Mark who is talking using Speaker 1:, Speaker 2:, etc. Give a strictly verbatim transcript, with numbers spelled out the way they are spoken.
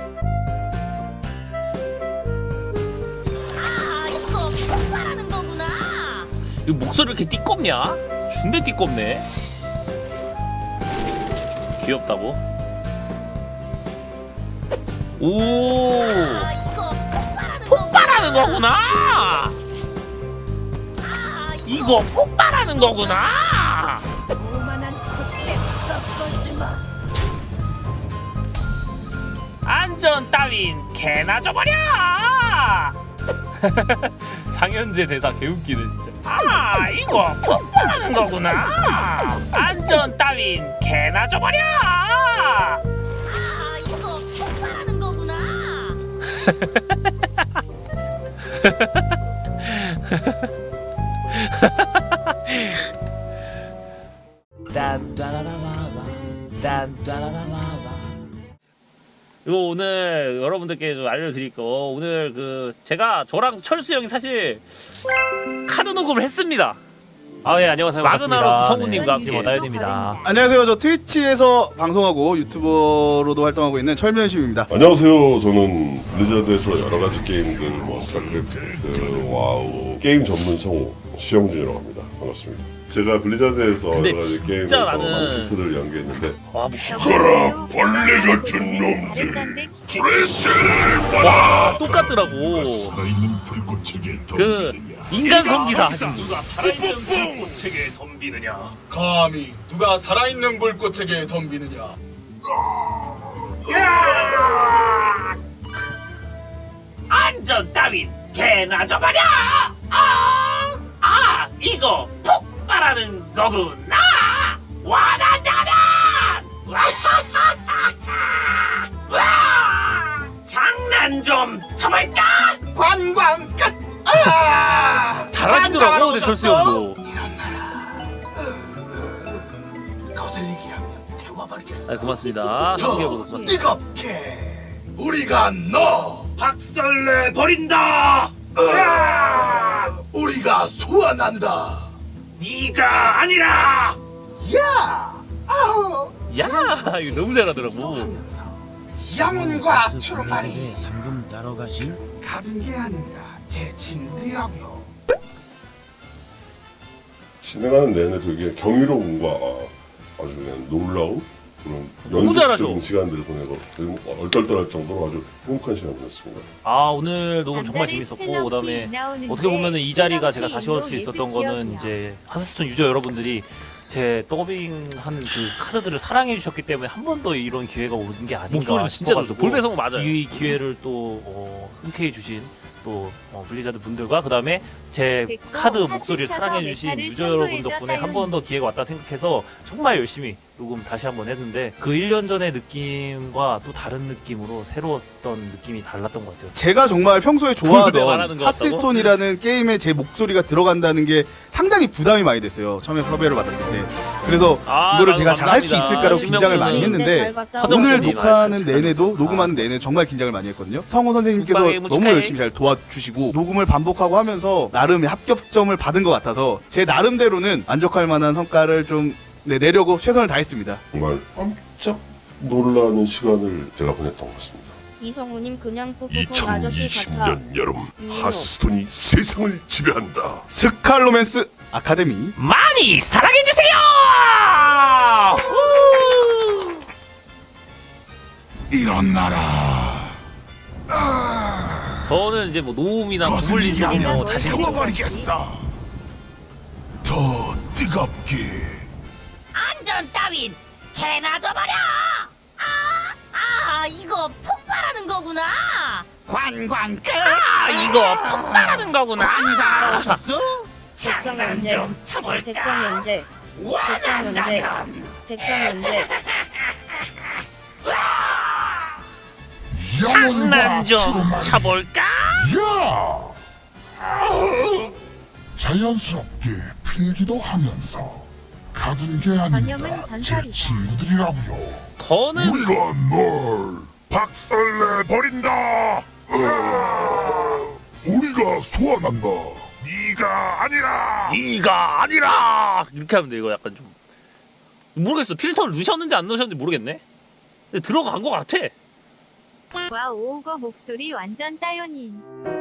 Speaker 1: 아, 이거 폭발하는 거구나.
Speaker 2: 이거 목소리 왜 이렇게 띠껍냐? 준대 띠껍네. 귀엽다고? 오,
Speaker 1: 아, 이거 폭발하는
Speaker 2: 폭발하는 거구나.
Speaker 1: 아,
Speaker 2: 이거 폭발하는 거구나.
Speaker 1: 오만한 콧대 꺾어주마.
Speaker 2: 안전 따윈 개나 줘버려. 장현재 대사 개웃기네 진짜. 아, 이거 폭발하는 거구나. 안전 따윈 개나 줘버려.
Speaker 1: 아, 이거 폭발하는 거구나.
Speaker 2: 이거 오늘 여러분들께 좀 알려드릴 거, 오늘 그 제가 저랑 철수 형이 사실 카드 녹음을 했습니다.
Speaker 3: 아, 예, 안녕하세요.
Speaker 2: 마그나로스 성우님과 함께.
Speaker 3: 팀 어다윤입니다.
Speaker 4: 안녕하세요. 저 트위치에서 방송하고 유튜버로도 활동하고 있는 철면심입니다.
Speaker 5: 안녕하세요. 저는 블리자드에서 여러 가지 게임들, 뭐 스타크래프트, 와우 게임 전문 성우 시영준이라고 합니다. 반갑습니다. 제가 블리자드에서
Speaker 2: 근데
Speaker 5: 여러 가지
Speaker 2: 진짜
Speaker 5: 게임에서
Speaker 2: 나는-
Speaker 5: 많은 티트들을 연기했는데
Speaker 2: 와,
Speaker 5: 죽어라 벌레 같은 놈들 드레스를
Speaker 2: 와 똑같더라고.
Speaker 6: 살아있는 불꽃에게
Speaker 2: 그 인간 성기사 하신 분.
Speaker 6: 누가 살아있는 불꽃에게 덤비느냐?
Speaker 4: 감히 누가 살아있는 불꽃에게 덤비느냐?
Speaker 2: 안전 따윈 개나 줘버려. 아, 아 이거 폭발하는 거구나. 와나나나. 와, 장난 좀 쳐볼까?
Speaker 4: 관광 끝. 아!
Speaker 2: 잘하시더라고 근데 철수 형도.
Speaker 4: 거슬리게 하면 태워버리겠어.
Speaker 2: 아 고맙습니다. 소개해보고 고맙습니다.
Speaker 4: 뜨겁게 우리가 너
Speaker 6: 박살내 버린다.
Speaker 4: 으아! 우리가 소환한다.
Speaker 6: 네가 아니라
Speaker 4: 야! 아우!
Speaker 2: 야 이거 너무 잘하더라고.
Speaker 4: 영혼과 초록말이
Speaker 7: 상금 따러 가실?
Speaker 4: 가진 게 아닙니다. 제 친구들이라고요.
Speaker 5: 진행하는 내내 되게 경이로움과 아주 그냥 놀라운 그런
Speaker 2: 너무 잘하죠.
Speaker 5: 연습적인 시간들을 보내고 그리고 얼떨떨할 정도로 아주 행복한 시간 보냈습니다.
Speaker 2: 아 오늘 녹음 정말 재밌었고, 그다음에 어떻게 보면은 이 자리가 제가 다시 올 수 있었던 거는 이제 하스스톤 유저 여러분들이 제 더빙한 그 카드들을 사랑해 주셨기 때문에 한 번 더 이런 기회가 오는 게 아닌가
Speaker 3: 목소리는 진짜
Speaker 2: 싶어가지고
Speaker 3: 좋죠. 볼배성우
Speaker 2: 맞아요. 이 기회를 또 어, 흔쾌히 주신 또 어, 블리자드 분들과 그다음에 제 카드 목소리를 사랑해 주신 유저 여러분 덕분에 한 번 더 기회가 왔다 생각해서 정말 열심히 녹음 다시 한번 했는데, 그 일 년 전의 느낌과 또 다른 느낌으로 새로웠던 느낌이 달랐던 것 같아요.
Speaker 4: 제가 정말 평소에
Speaker 2: 왜 말하는
Speaker 4: 좋아하던
Speaker 2: 것 같다고?
Speaker 4: 하스스톤이라는 게임에 제 목소리가 들어간다는 게 상당히 부담이 많이 됐어요. 처음에 섭외를 받았을 때. 그래서
Speaker 2: 아,
Speaker 4: 이거를
Speaker 2: 나도
Speaker 4: 제가 잘 할 수
Speaker 2: 감사합니다.
Speaker 4: 있을까라고
Speaker 2: 신명
Speaker 4: 긴장을
Speaker 2: 씨는
Speaker 4: 많이 했는데
Speaker 2: 허정
Speaker 4: 오늘
Speaker 2: 선생님
Speaker 4: 녹화하는
Speaker 2: 축하드립니다.
Speaker 4: 내내도 녹음하는 내내 정말 긴장을 많이 했거든요. 성우 선생님께서
Speaker 2: 국방의 무
Speaker 4: 너무
Speaker 2: 축하해.
Speaker 4: 열심히 잘 도와주시고 녹음을 반복하고 하면서 나름의 합격점을 받은 것 같아서 제 나름대로는 만족할 만한 성과를 좀 네, 내려고 최선을 다했습니다.
Speaker 5: 정말 깜짝 놀라는 시간을 제가 보냈던 것 같습니다.
Speaker 8: 이성우님 그냥 뽀뽀뽀 아저씨 같아.
Speaker 6: 이천이십 년 여름
Speaker 8: 유로.
Speaker 6: 하스스톤이 세상을 지배한다.
Speaker 4: 스칼로맨스 아카데미
Speaker 2: 많이 사랑해 주세요.
Speaker 6: 일어나라.
Speaker 2: 저는 이제 뭐 노움이나 구물린 쪽은 뭐 자신 있죠.
Speaker 6: 태워버리겠어. 더 뜨겁게.
Speaker 1: 안전 따윈 개나 줘버려. 아, 아, 이거 폭발하는 거구나.
Speaker 4: 관광 끝.
Speaker 2: 아 이거 폭발하는 거구나.
Speaker 4: 관광하러 오셨어?
Speaker 8: 백성 연재. 백성 연재. 백성 연재. 백성 연재.
Speaker 2: 장난 좀 쳐볼까?
Speaker 6: 야! 자연스럽게 필기도 하면서 가진 게
Speaker 8: 전염은
Speaker 6: 아닙니다. 제
Speaker 8: 전설이다.
Speaker 6: 친구들이라고요.
Speaker 2: 저는
Speaker 6: 우리가 널 박살내 버린다. 우리가 소환한다. 네가 아니라.
Speaker 2: 네가 아니라 이렇게 하면 돼. 이거 약간 좀 모르겠어. 필터를 넣으셨는지 안 넣으셨는지 모르겠네. 근데 들어간 것 같아.
Speaker 7: 와 오우거 목소리 완전 따연인.